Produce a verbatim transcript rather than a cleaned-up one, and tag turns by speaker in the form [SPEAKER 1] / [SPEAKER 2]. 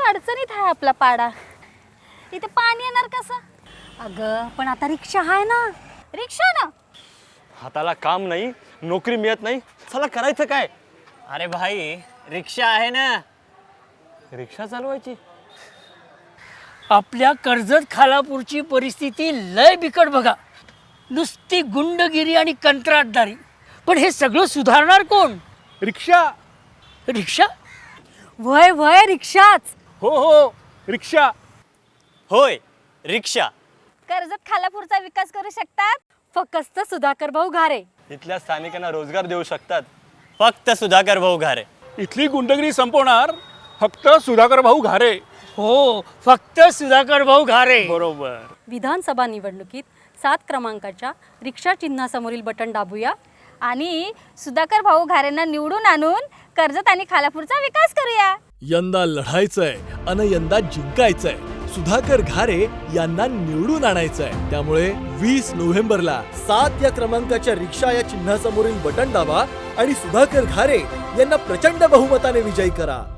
[SPEAKER 1] अडचणीत आहे आपला पाडा. इथे पाणी येणार कसं? अगं पण आता रिक्षा आहे ना. रिक्षा ना,
[SPEAKER 2] हाताला काम नाही, नोकरी मिळत नाही, चला करायचं काय?
[SPEAKER 3] अरे भाई रिक्षा आहे ना.
[SPEAKER 2] रिक्षा चालवायची?
[SPEAKER 4] आपल्या कर्जत खालापूरची परिस्थिती लय बिकट बघा. नुसती गुंडगिरी आणि कंत्राटदारी. पण हे सगळं सुधारणार कोण?
[SPEAKER 5] रिक्षा.
[SPEAKER 4] रिक्षा?
[SPEAKER 1] वय वय रिक्षाच.
[SPEAKER 5] हो हो रिक्षा.
[SPEAKER 3] होय रिक्षा.
[SPEAKER 1] कर्जत खालापूरचा विकास करू शकतात फक्त सुधाकर भाऊ घारे.
[SPEAKER 2] इथल्या स्थानिकांना रोजगार देऊ शकतात
[SPEAKER 3] फक्त सुधाकर भाऊ घारे.
[SPEAKER 5] इथली गुंडगिरी संपवणार फक्त सुधाकर भाऊ घारे.
[SPEAKER 4] हो, फक्त सुधाकर भाऊ घारे.
[SPEAKER 5] बरोबर.
[SPEAKER 1] विधानसभा निवडणुकीत सात क्रमांकाच्या रिक्षा चिन्हासमोरील बटन दाबूया आणि सुधाकर भाऊ घारेंना निवडून आणून कर्जत आणि खालापूरचा विकास करूया.
[SPEAKER 6] यंदा लढायचंय अन यंदा जिंकायचंय. सुधाकर घारे यांना निवडून आणायचंय. त्यामुळे वीस नोव्हेंबरला सात या क्रमांकाच्या रिक्षा या चिन्हासमोरील बटन दाबा आणि सुधाकर घारे यांना प्रचंड बहुमताने विजयी करा.